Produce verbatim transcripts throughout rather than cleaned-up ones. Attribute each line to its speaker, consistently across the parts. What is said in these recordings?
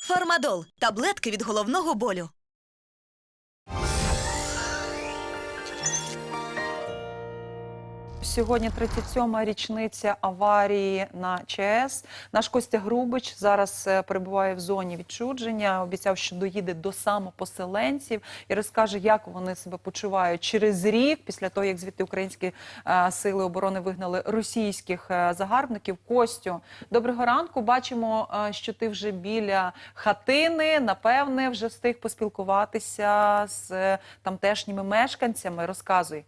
Speaker 1: Фармадол – таблетки від головного болю.
Speaker 2: Сьогодні тридцять сьома річниця аварії на ЧАЕС. Наш Костя Грубич зараз перебуває в зоні відчуження. Обіцяв, що доїде до самопоселенців і розкаже, як вони себе почувають через рік, після того, як звідти українські сили оборони вигнали російських загарбників. Костю, доброго ранку. Бачимо, що ти вже біля хатини. Напевне, вже встиг поспілкуватися з тамтешніми мешканцями. Розказуй.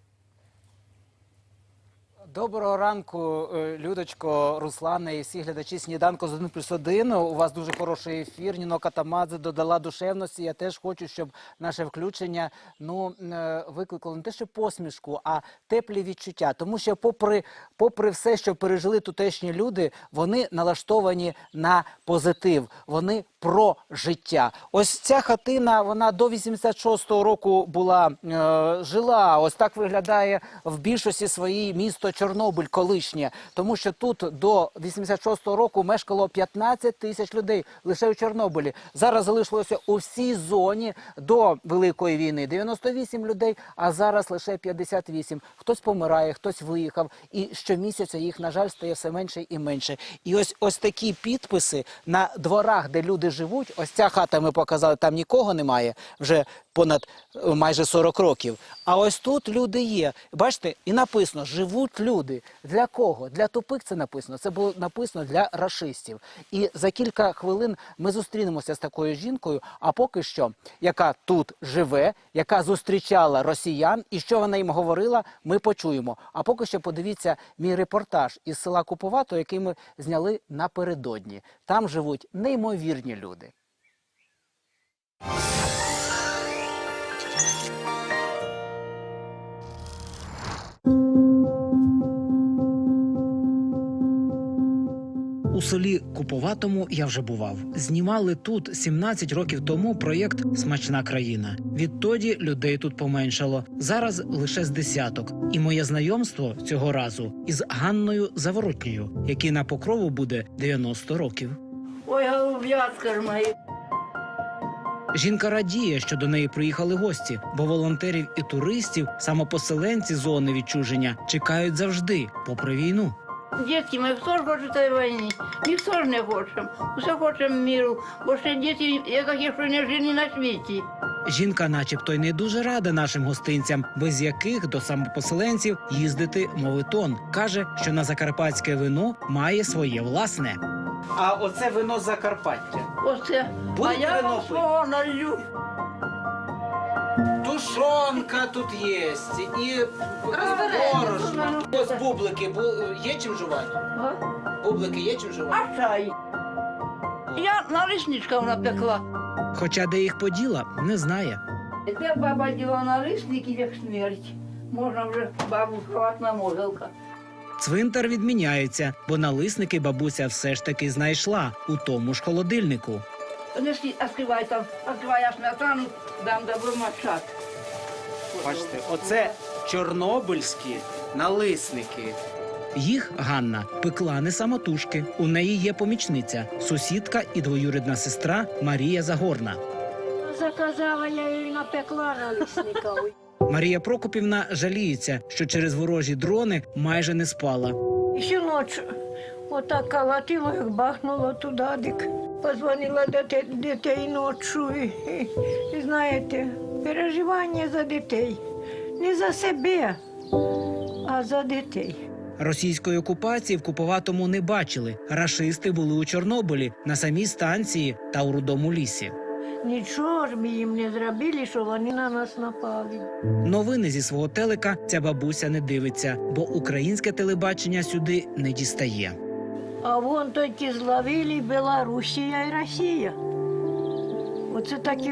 Speaker 3: Доброго ранку, Людочко, Руслане і всі глядачі «Сніданку з один плюс один». У вас дуже хороший ефір. Ніно Катамадзе додала душевності. Я теж хочу, щоб наше включення ну, викликало не те, що посмішку, а теплі відчуття. Тому що попри, попри все, що пережили тутешні люди, вони налаштовані на позитив. Вони про життя. Ось ця хатина, вона до вісімдесят шостого року була, е, жила. Ось так виглядає в більшості своїй місто Чорнобиль колишнє. Тому що тут до вісімдесят шостого року мешкало п'ятнадцять тисяч людей лише у Чорнобилі. Зараз залишилося у всій зоні до Великої війни дев'яносто вісім людей, а зараз лише п'ятдесят вісім. Хтось помирає, хтось виїхав. І щомісяця їх, на жаль, стає все менше і менше. І ось, ось такі підписи на дворах, де люди живуть. Ось ця хата, ми показали, там нікого немає вже понад майже сорок років. А ось тут люди є. Бачите, і написано «Живуть люди». Для кого? Для тупих це написано. Це було написано для рашистів. І за кілька хвилин ми зустрінемося з такою жінкою, а поки що, яка тут живе, яка зустрічала росіян, і що вона їм говорила, ми почуємо. А поки що подивіться мій репортаж із села Куповато, який ми зняли напередодні. Там живуть неймовірні люди.
Speaker 4: У селі Куповатому я вже бував. Знімали тут сімнадцять років тому проєкт «Смачна країна». Відтоді людей тут поменшало. Зараз лише з десяток. І моє знайомство цього разу із Ганною Заворотньою, якій на Покрову буде дев'яносто років.
Speaker 5: Ой, голуб'ятка ж мої.
Speaker 4: Жінка радіє, що до неї приїхали гості, бо волонтерів і туристів самопоселенці зони відчуження чекають завжди, попри війну.
Speaker 5: Дітки, ми хто ж хоче цієї війни? Ніхто ж не хочемо. Усе хочемо миру, бо ще діти, які що не жили на світі.
Speaker 4: Жінка начебто й не дуже рада нашим гостинцям, без яких до самопоселенців їздити моветон. Каже, що на закарпатське вино має своє власне.
Speaker 3: А оце вино з Закарпаття.
Speaker 5: Оце.
Speaker 3: Будете
Speaker 5: А я
Speaker 3: вино
Speaker 5: вам
Speaker 3: пити?
Speaker 5: свого налью.
Speaker 3: Тушонка тут є, і борошно. Ось бублики, є чим жувати?
Speaker 5: Ага.
Speaker 3: Бублики є чим жувати?
Speaker 5: А чай? Я налисничка напекла.
Speaker 4: Хоча де їх поділа, не знає.
Speaker 5: Де баба діла налисники, як смерть. Можна вже бабу ховати на могилка.
Speaker 4: Цвинтар відміняється, бо налисники бабуся все ж таки знайшла у тому ж холодильнику.
Speaker 5: Неси, відкривай там, відкривай я сметану, дам добро мачати.
Speaker 3: Бачите, оце чорнобильські налисники.
Speaker 4: Їх Ганна пекла не самотужки. У неї є помічниця, сусідка і двоюрідна сестра Марія Загорна.
Speaker 6: Заказала, я їй напекла налисника.
Speaker 4: Марія Прокопівна жаліється, що через ворожі дрони майже не спала.
Speaker 6: І ще ночі отак калатило, як бахнуло туди, дик. Позвонила до дітей ночі. І, і знаєте, переживання за дітей. Не за себе, а за дітей.
Speaker 4: Російської окупації в Куповатому не бачили. Рашисти були у Чорнобилі, на самій станції та у Рудому лісі.
Speaker 6: Нічого ж ми їм не зробили, що вони на нас напали.
Speaker 4: Новини зі свого телека ця бабуся не дивиться, бо українське телебачення сюди не дістає.
Speaker 6: А вон тільки зловили Білорусія і Росія. Оце такі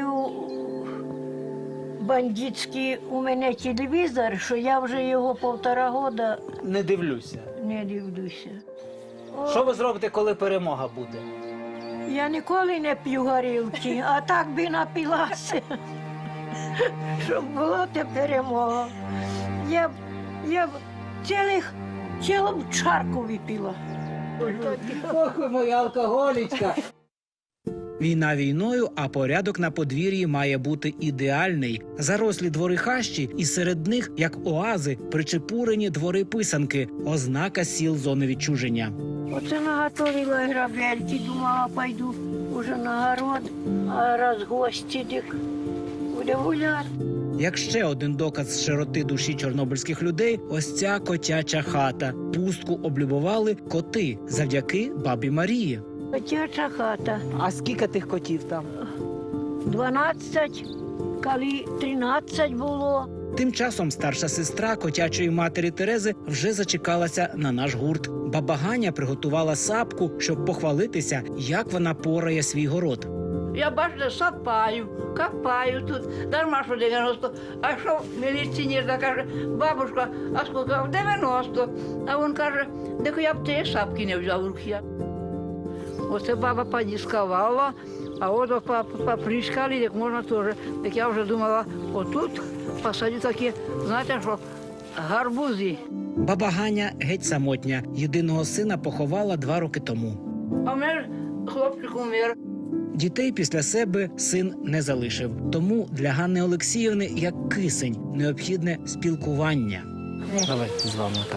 Speaker 6: бандитський у мене телевізор, що я вже його півтора года
Speaker 3: Не дивлюся.
Speaker 6: не дивлюся. О,
Speaker 3: Що ви зробите, коли перемога буде?
Speaker 6: я ніколи не п'ю горілки, а так би напилася, щоб була те перемога. Я б, я б цілих, цілу чарку випила.
Speaker 3: Ох, ви моя алкоголічка.
Speaker 4: Війна війною, а порядок на подвір'ї має бути ідеальний. Зарослі двори хащі, і серед них, як оази, причепурені двори-писанки, ознака сіл зони відчуження.
Speaker 6: Оце наготовила грабельки, думала, пойду уже на город, а раз гості, дик, буде гуляти.
Speaker 4: Як ще один доказ широти душі чорнобильських людей, ось ця котяча хата. Пустку облюбували коти завдяки бабі Марії.
Speaker 6: Котяча хата.
Speaker 3: А скільки тих котів там?
Speaker 6: дванадцять, коли тринадцять було.
Speaker 4: Тим часом старша сестра котячої матері Терези вже зачекалася на наш гурт. Баба Ганя приготувала сапку, щоб похвалитися, як вона порає свій город.
Speaker 5: Я бачите, сапаю, копаю тут, дарма що дев'яносто. А що міліціонер каже, бабушка, а скільки? дев'яносто. А він каже, де я б тієї сапки не взяв в руки. Оце баба подіскувала, а от поприскали, як можна теж. Так я вже думала, отут посадю такі, знаєте що, гарбузи.
Speaker 4: Баба Ганя геть самотня. Єдиного сина поховала два роки тому.
Speaker 5: А в мене хлопчик умер.
Speaker 4: Дітей після себе син не залишив. Тому для Ганни Олексіївни, як кисень, необхідне спілкування.
Speaker 3: Давайте з вами так.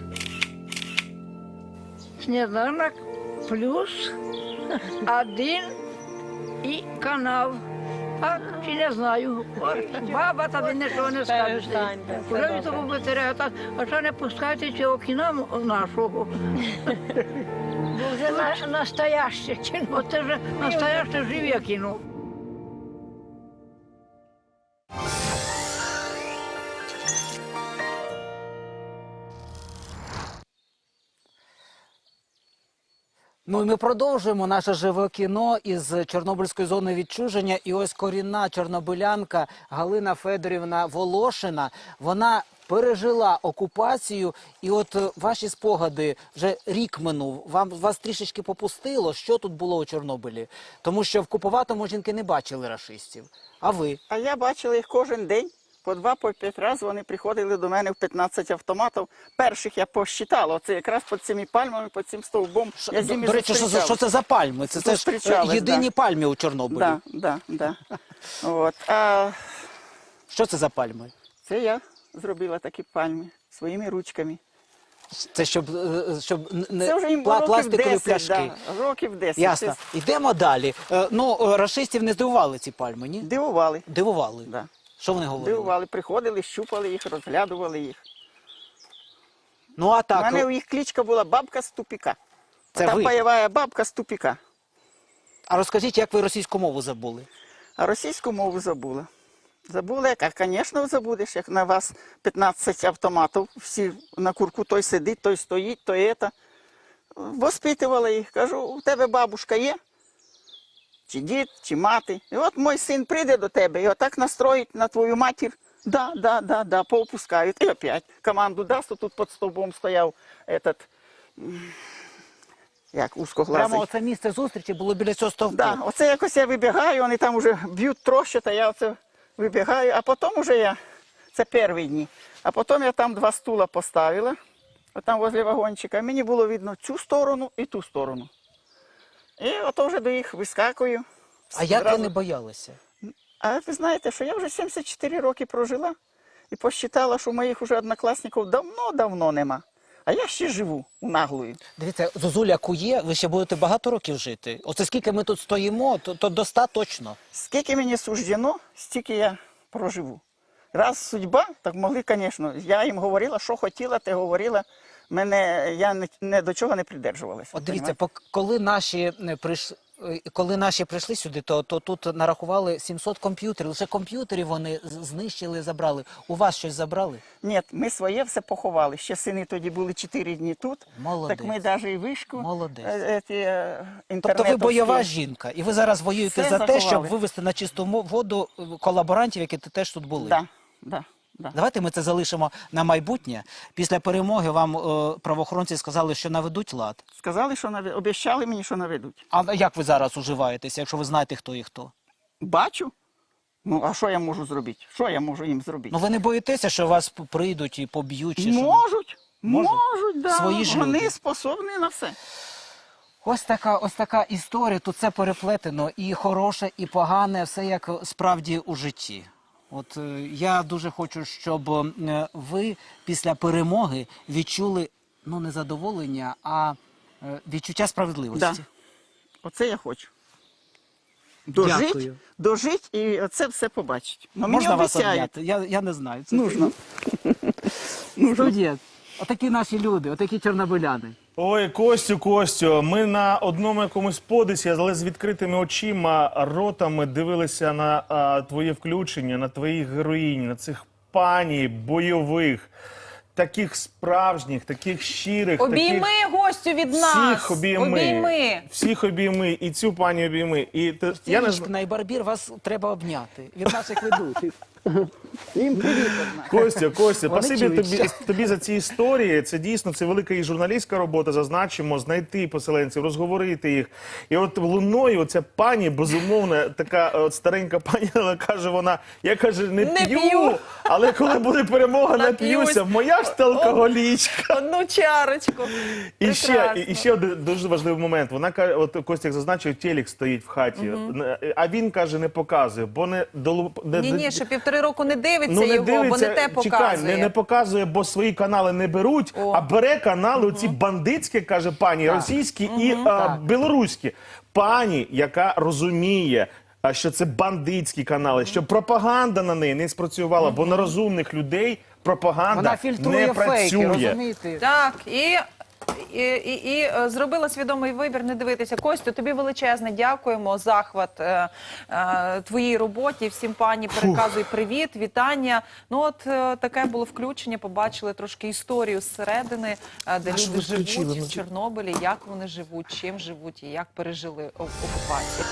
Speaker 5: Сніданок плюс один і канал. А чи не знаю. Баба тобі нічого не скаже. Вже від того витеряю, а ще не пускайте цього кіна нашого.
Speaker 6: Вже на, настояще кіно.
Speaker 5: Оце вже настояще живе кіно.
Speaker 3: Ну і ми продовжуємо наше живе кіно із Чорнобильської зони відчуження. І ось корінна чорнобилянка Галина Федорівна Волошина, вона пережила окупацію. І от е, ваші спогади, вже рік минув, вам, вас трішечки попустило, що тут було у Чорнобилі? Тому що в Куповатому жінки не бачили рашистів. А ви?
Speaker 7: А я бачила їх кожен день. По два, по п'ять разів вони приходили до мене в п'ятнадцять автоматів. Перших я посчитала. Оце якраз під цими пальмами, під цим стовбом. Я з ними
Speaker 3: До речі, що, за- що це за пальми? Це, це ж е,
Speaker 7: Зустрічались,
Speaker 3: єдині
Speaker 7: да.
Speaker 3: пальми у Чорнобилі.
Speaker 7: Да, да, да. От. А
Speaker 3: Що це за пальми?
Speaker 7: це я зробила такі пальми своїми ручками.
Speaker 3: Це щоб, е, щоб не
Speaker 7: Це вже їм
Speaker 3: пла-
Speaker 7: років
Speaker 3: пластикові
Speaker 7: десять,
Speaker 3: пляшки.
Speaker 7: да, років десять.
Speaker 3: Ясно.
Speaker 7: Це
Speaker 3: Йдемо далі. Е, Ну, е, рашистів не здивували ці пальми, ні?
Speaker 7: Дивували.
Speaker 3: Дивували.
Speaker 7: Да.
Speaker 3: Що вони говорили?
Speaker 7: Дивували, приходили, щупали їх, розглядували їх.
Speaker 3: Ну, а
Speaker 7: У
Speaker 3: так,
Speaker 7: мене у їх кличка була бабка з тупіка.
Speaker 3: Це
Speaker 7: Та
Speaker 3: ви?
Speaker 7: пайова бабка з тупіка.
Speaker 3: а розкажіть, як ви російську мову забули?
Speaker 7: А російську мову забула. Забула, як, звісно, забудеш, як на вас п'ятнадцять автоматів, всі на курку, той сидить, той стоїть, той це. Воспитувала їх, кажу, у тебе бабушка є? Чи дід, чи мати? І от мій син прийде до тебе і отак настроїть на твою матір. Да, да, да, да, поопускають. І опять команду дасть, то тут під стовбом стояв этот, м, як узкоглазий.
Speaker 3: Прямо оце місце зустрічі було біля цього стовпу.
Speaker 7: Да, оце якось я вибігаю, вони там вже б'ють трощать, а я оце вибігаю, а потім уже я, це перші дні, а потім я там два стула поставила, отам возле вагончика, мені було видно цю сторону і ту сторону. І ото вже до їх вискакую.
Speaker 3: А як ви
Speaker 7: Зразу.
Speaker 3: не боялися?
Speaker 7: А ви знаєте, що я вже сімдесят чотири роки прожила і посчитала, що моїх уже однокласників давно-давно нема. А я ще живу у наглою.
Speaker 3: Дивіться, Зозуля кує, ви ще будете багато років жити. Оце скільки ми тут стоїмо, то, то до ста точно.
Speaker 7: Скільки мені суждено, стільки я проживу. Раз судьба, так могли, звісно. Я їм говорила, що хотіла, те говорила. Мене, я не, не до чого не придержувалася.
Speaker 3: От дивіться,
Speaker 7: понімаєте?
Speaker 3: пок- коли наші е, прийшли, коли наші прийшли сюди, то, то тут нарахували сімсот комп'ютерів. Лише комп'ютерів вони з- знищили, забрали. У вас щось забрали?
Speaker 7: Ні, ми своє все поховали. Ще сини тоді були чотири дні тут.
Speaker 3: Молодець.
Speaker 7: Так ми навіть і вишку.
Speaker 3: Молодець.
Speaker 7: е, е, ті, е,
Speaker 3: Тобто ви
Speaker 7: інтернетовські.
Speaker 3: бойова жінка, і ви зараз воюєте
Speaker 7: Все
Speaker 3: за те, щоб
Speaker 7: заховали.
Speaker 3: вивести на чисту мо- воду е, колаборантів, які теж тут були.
Speaker 7: Да, да, да.
Speaker 3: Давайте ми це залишимо на майбутнє. Після перемоги вам е, правоохоронці сказали, що наведуть лад.
Speaker 7: Сказали, що наведуть, обіцяли мені, що наведуть.
Speaker 3: А як ви зараз уживаєтеся, якщо ви знаєте, хто і хто?
Speaker 7: Бачу. Ну, а що я можу зробити? Що я можу їм зробити?
Speaker 3: Ну ви не боїтеся, що вас п- прийдуть і поб'ють? Чи що?
Speaker 7: Можуть,
Speaker 3: Можуть?
Speaker 7: можуть, да.
Speaker 3: Свої ж
Speaker 7: Вони
Speaker 3: люди.
Speaker 7: способні на все.
Speaker 3: Ось така, ось така історія. Тут все переплетено. І хороше, і погане, все як справді у житті. От е, я дуже хочу, щоб е, ви після перемоги відчули, ну, не задоволення, а е, відчуття справедливості.
Speaker 7: Да. Оце я хочу. Дожить,
Speaker 3: Дякую.
Speaker 7: дожить і це все побачить. Ну, мені
Speaker 3: Можна вас
Speaker 7: обіцяють.
Speaker 3: обняти? Я, я не знаю. Це
Speaker 7: Нужно.
Speaker 3: Студія. Отакі наші люди, отакі чорнобиляни.
Speaker 8: Ой, Костю, Костю, ми на одному якомусь подисі, але з відкритими очима, ротами дивилися на а, твоє включення, на твоїх героїнь, на цих пані бойових, таких справжніх, таких щирих.
Speaker 2: Обійми
Speaker 8: таких...
Speaker 2: гостю від нас.
Speaker 8: Всіх обійми.
Speaker 2: Обійми.
Speaker 8: Всіх обійми. І цю пані обійми. І ти, я не знаю.
Speaker 3: Стіночка і Барбір, вас треба обняти від наших ведучих.
Speaker 7: Їм привіт одна.
Speaker 8: Костя, Костя,
Speaker 3: Вони
Speaker 8: спасибі
Speaker 3: чують,
Speaker 8: тобі,
Speaker 3: що-
Speaker 8: тобі за ці історії. Це дійсно це велика і журналістська робота. Зазначимо, знайти поселенців, розговорити їх. І от луною ця пані, безумовно, така от старенька пані, але каже вона, я каже, не,
Speaker 2: Не
Speaker 8: п'ю,
Speaker 2: п'ю.
Speaker 8: але коли буде перемога,
Speaker 2: Нап'юсь.
Speaker 8: нап'юся. Моя ж та алкоголічка.
Speaker 2: Одну чарочку.
Speaker 8: І ще,
Speaker 2: Прекрасно.
Speaker 8: і, і ще один дуже важливий момент. Вона каже, от Костя як зазначив, телек стоїть в хаті. А він каже, не показує, бо не долу... не-
Speaker 2: Ні, ні, що півтори року не дивиться
Speaker 8: Ну, не
Speaker 2: його, бо
Speaker 8: дивиться,
Speaker 2: не те показує.
Speaker 8: чекай, не, не показує, бо свої канали не беруть,
Speaker 2: О.
Speaker 8: а бере канали оці бандитські, каже пані, російські і а,
Speaker 3: Так.
Speaker 8: білоруські. Пані, яка розуміє, а, що це бандитські канали, що пропаганда на неї не спрацювала, бо на розумних людей пропаганда
Speaker 3: Вона фільтрує
Speaker 8: не
Speaker 3: фейки,
Speaker 8: працює.
Speaker 3: розумієте?
Speaker 2: Так, і, і, і, і е, зробила свідомий вибір не дивитися. Костю, тобі величезне дякуємо. Захват е, е, твоїй роботі. Всім пані переказуй привіт, вітання. Ну от е, таке було включення. Побачили трошки історію зсередини, е, де
Speaker 8: що
Speaker 2: люди
Speaker 8: ви включили?
Speaker 2: живуть
Speaker 8: Ну,
Speaker 2: в Чорнобилі, як вони живуть, чим живуть і як пережили о- окупацію.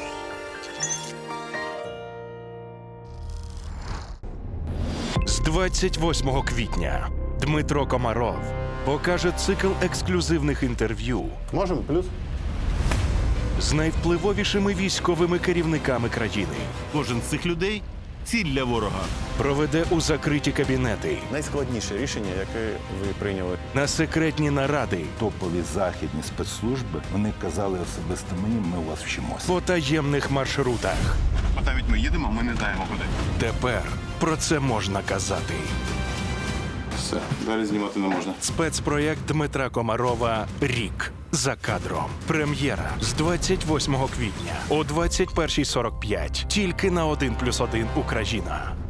Speaker 9: З двадцять восьмого квітня Дмитро Комаров покаже цикл ексклюзивних інтерв'ю
Speaker 10: Можемо плюс?
Speaker 9: з найвпливовішими військовими керівниками країни.
Speaker 10: Кожен з цих людей ціль для ворога.
Speaker 9: Проведе у закриті кабінети,
Speaker 10: Найскладніше рішення, яке ви прийняли.
Speaker 9: на секретні наради,
Speaker 11: Топові західні спецслужби, вони казали особисто мені, ми у вас вчимося.
Speaker 9: по таємних маршрутах.
Speaker 10: Бо навіть ми їдемо, ми не знаємо куди.
Speaker 9: Тепер про це можна казати.
Speaker 10: Все, далі знімати не можна.
Speaker 9: Спецпроєкт Дмитра Комарова «Рік за кадром». Прем'єра з двадцять восьмого квітня о двадцять першій сорок п'ять. Тільки на один плюс один Україна.